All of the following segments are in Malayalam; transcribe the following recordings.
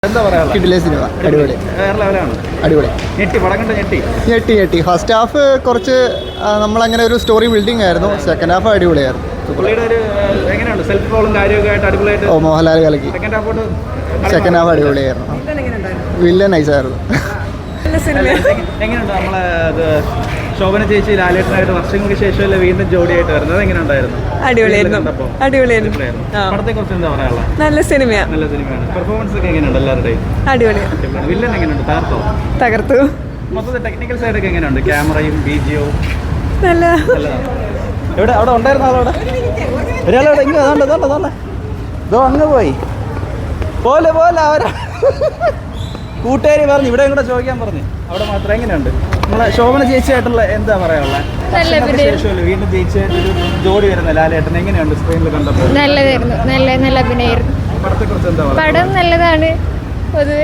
എന്താ പറയാ കിടിലൻ സിനിമ, അടിപൊളി വേറെ ലെവലാണ്. അടിപൊളി. ഞെട്ടി പടം കണ്ട് ഞെട്ടി ഫസ്റ്റ് ഹാഫ് കുറച്ച് നമ്മളങ്ങനെ ഒരു സ്റ്റോറി ബിൽഡിംഗ് ആയിരുന്നു. സെക്കൻഡ് ഹാഫ് അടിപൊളിയായിരുന്നു. പുള്ളിയുടെ ഒരു എങ്ങനെയുണ്ട് സെൽഫ് റോളും കാര്യമൊക്കെ ആയിട്ട് അടിപൊളിയായിട്ട്. ഓ, മോഹൻലാൽ കലക്കി. സെക്കൻഡ് ഹാഫ് അടിപൊളിയായിരുന്നു. വില്ലൻ നൈസായിരുന്നു. എങ്ങനെയുണ്ട് നമ്മളെ ശോഭന ചേച്ചി ലാലേട്ടനായിട്ട് വർഷങ്ങൾക്ക് ശേഷമല്ലേ വീണ്ടും ജോഡിയായിട്ട് വരുന്നത്? എങ്ങനെയുണ്ടായിരുന്നു? അടിപൊളിയായിരുന്നു. പടത്തെ കുറിച്ച് എന്താ പറയാനുള്ള? നല്ല സിനിമയാണ്. പെർഫോമൻസ് ഒക്കെ എങ്ങനെയുണ്ട് എല്ലാവരുടെയും? അടിപൊളിയാണ്. വില്ലൻ എങ്ങനെയുണ്ട്? തകർത്തു. മൊത്തത്തിൽ ടെക്നിക്കൽ സൈഡൊക്കെ എങ്ങനെയുണ്ട്? ക്യാമറയും ബിജിയും നല്ലതാണ്. എവിടെ അവിടെ ഉണ്ടായിരുന്ന ആളോടെ ഒരാളോടെ ഇങ്ങനെ ഇതോ അങ്ങ് പോയി പോലെ അവരാ കൂട്ടുകാരി പറഞ്ഞു ഇവിടെ കൂടെ ചോദിക്കാൻ പറഞ്ഞു. അവിടെ മാത്രം എങ്ങനെയുണ്ട് നമ്മളെ ശോഭന ചേച്ചിയായിട്ടുള്ള എന്താ പറയാനുള്ളത്? ശേഷമല്ലേ വീണ്ടും ചേച്ചിയായിട്ടൊരു ജോഡി വരുന്ന ലാലേട്ടൻ എങ്ങനെയുണ്ട് സ്ക്രീനിൽ കണ്ടപ്പോൾ? നല്ലതായിരുന്നു. നല്ല അഭിനയായിരുന്നു. പടത്തെ കുറിച്ച് എന്താ പറയുക? പടം നല്ലതാണ് പൊതുവെ.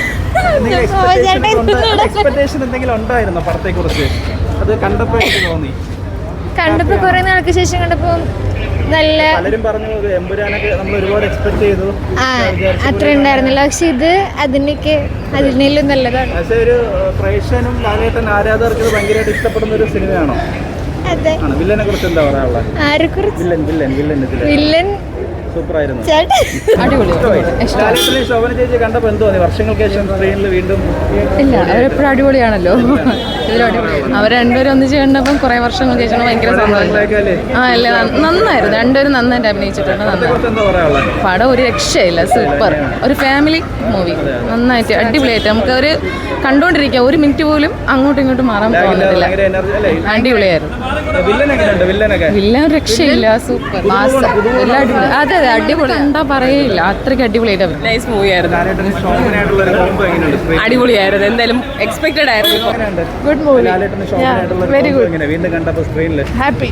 എക്സ്പെക്ടേഷൻ എന്തെങ്കിലും ഉണ്ടായിരുന്നോ പടത്തെ കുറിച്ച്? അത് കണ്ടപ്പോൾ എനിക്ക് തോന്നി. കണ്ടപ്പോ കുറെ നാൾക്ക് ശേഷം കണ്ടപ്പോ നല്ല പലരും പറഞ്ഞു എമ്പുരാനൊക്കെ നമ്മൾ ഒരുപാട് എക്സ്പെക്ട് ചെയ്തു. അത്ര ഉണ്ടായിരുന്നില്ല. പക്ഷെ ഇത് അതിനേലും നല്ലതാണ്. പക്ഷെ ഒരു പ്രേക്ഷകനും ലാലേട്ടൻ ആരാധകർക്ക് ഭയങ്കരമായിട്ട് ഇഷ്ടപ്പെടുന്ന ഒരു സിനിമയാണോ? അതെ. വില്ലനെ കുറിച്ച് എന്താ പറയാനുള്ളത്? ആരെ കുറിച്ച്? വില്ലൻ സൂപ്പറായിരുന്നു. അടിപൊളി. ശോഭന ചേച്ചി കണ്ടപ്പോ എന്തോ വർഷങ്ങൾക്ക് ശേഷം സ്ക്രീനിൽ വീണ്ടും ഇല്ല, അവരെപ്പോഴും അടിപൊളിയാണല്ലോ. അവർ രണ്ടുപേരും ഒന്നിച്ച് കണ്ടപ്പം കുറെ വർഷങ്ങൾക്ക് ശേഷം ഭയങ്കര സന്തോഷം. അല്ലേ, നന്നായിരുന്നു. രണ്ടുപേരും നന്നായിട്ട് അഭിനയിച്ചിട്ടുണ്ട്. പടം ഒരു രക്ഷയില്ല. സൂപ്പർ. ഒരു ഫാമിലി മൂവി. നന്നായിട്ട് അടിപൊളിയായിട്ട് നമുക്ക് ഒരു കണ്ടുകൊണ്ടിരിക്കാം. ഒരു മിനിറ്റ് പോലും അങ്ങോട്ടും ഇങ്ങോട്ടും മാറാൻ തോന്നുന്നില്ല. അടിപൊളിയായിരുന്നു. വില്ലൻ രക്ഷയില്ല. സൂപ്പർ. എല്ലാം അടിപൊളി. അതെ, അടിപൊളി. എന്താ പറയില്ല, അത്രയ്ക്ക് അടിപൊളിയായിട്ട് നൈസ് മൂവി ആയിരുന്നു. അടിപൊളിയായിരുന്നു. എന്തായാലും എക്സ്പെക്ടഡ് ആയിരുന്നു. Good movie. Very good. Happy.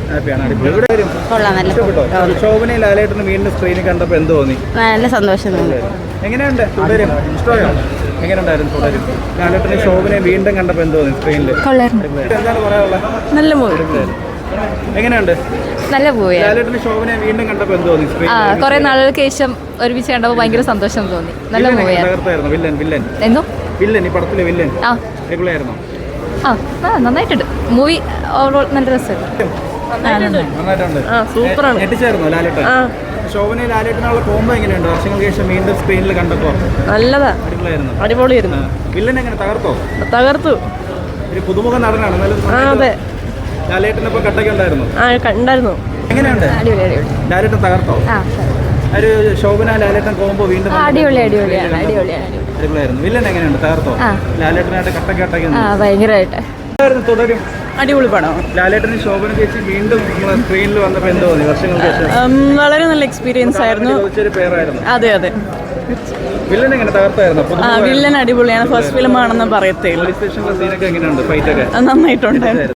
ശോഭനയും ലാലേട്ടനും വീണ്ടും സ്ക്രീനിൽ കണ്ടപ്പോ എന്ത് തോന്നി? നല്ല സന്തോഷം തോന്നി. എങ്ങനെയുണ്ട്? തുടരും ഇഷ്ടമായോ? എങ്ങനെയുണ്ടായിരുന്നു തുടരും? ലാലേട്ടനും ശോഭനയും വീണ്ടും കണ്ടപ്പോ എന്ത് തോന്നി സ്ക്രീനിൽ? എന്താണ് പറയാനുള്ളത്? നല്ല മൂവി. എങ്ങനെയുണ്ട്? നല്ല മൂവി. ലാലേട്ടനും ശോഭനയും വീണ്ടും കണ്ടപ്പോ എന്ത് തോന്നി? കുറെ നാളുകൾക്ക് ശേഷം ഒരുമിച്ച് കണ്ടപ്പോൾ ഭയങ്കര സന്തോഷം തോന്നി. നല്ല മൂവിയായിരുന്നു. വില്ലൻ എന്തോ ഈ പടത്തിലെ വില്ലൻ അടിപൊളിയായിരുന്നോ? നന്നായിട്ടുണ്ട്. മൂവി ഓവറോൾ നല്ല രസമായിരുന്നു. നന്നായിട്ടുണ്ട്. സൂപ്പറാണ്. ഞെട്ടിച്ചായിരുന്നോ ലാലേട്ടൻ? ശോഭനയും ലാലേട്ടനുള്ള കോംബോ എങ്ങനെയുണ്ട് വർഷങ്ങൾക്ക് ശേഷം വീണ്ടും സ്ക്രീനിൽ കണ്ടപ്പോ? നല്ലതാ. അടിപൊളിയായിരുന്നു. വില്ലൻ എങ്ങനെ തകർത്തു. ഒരു പുതുമുഖ നടനാണ്. അതെ. ലാലേട്ടനൊപ്പം കട്ടൊക്കെ ഉണ്ടായിരുന്നു. കണ്ടായിരുന്നു. എങ്ങനെയുണ്ട്? ലാലേട്ടൻ തകർത്തോ? ഒരു ശോഭന ലാലേട്ടൻ കോംബോ വീണ്ടും അടിപൊളിയായിരുന്നു. വില്ലൻ എങ്ങനെയുണ്ട്? തകർത്തോ? ലാലേട്ടനായിട്ട് കട്ടൊക്കെ ഭയങ്കരമായിട്ട് തുടരും. അടിപൊളി പടം. ലാലേട്ടനും ശോഭന ചേച്ചി വീണ്ടും സ്ക്രീനിൽ വന്നപ്പോൾ എന്തോ തോന്നി വർഷങ്ങൾക്ക് ശേഷം? വളരെ നല്ല എക്സ്പീരിയൻസ് ആയിരുന്നു. പേരായിരുന്നു. അതെ. വില്ലൻ എങ്ങനെ തകർത്തായിരുന്നു? വില്ലൻ അടിപൊളിയാണ്. ഫസ്റ്റ് ഫിലിം ആണെന്ന് പറയത്തേ. പോലീസ് സ്റ്റേഷനിലെ സീനൊക്കെ എങ്ങനെയുണ്ട്? ഫൈറ്റ് ഒക്കെ നന്നായിട്ടുണ്ട്.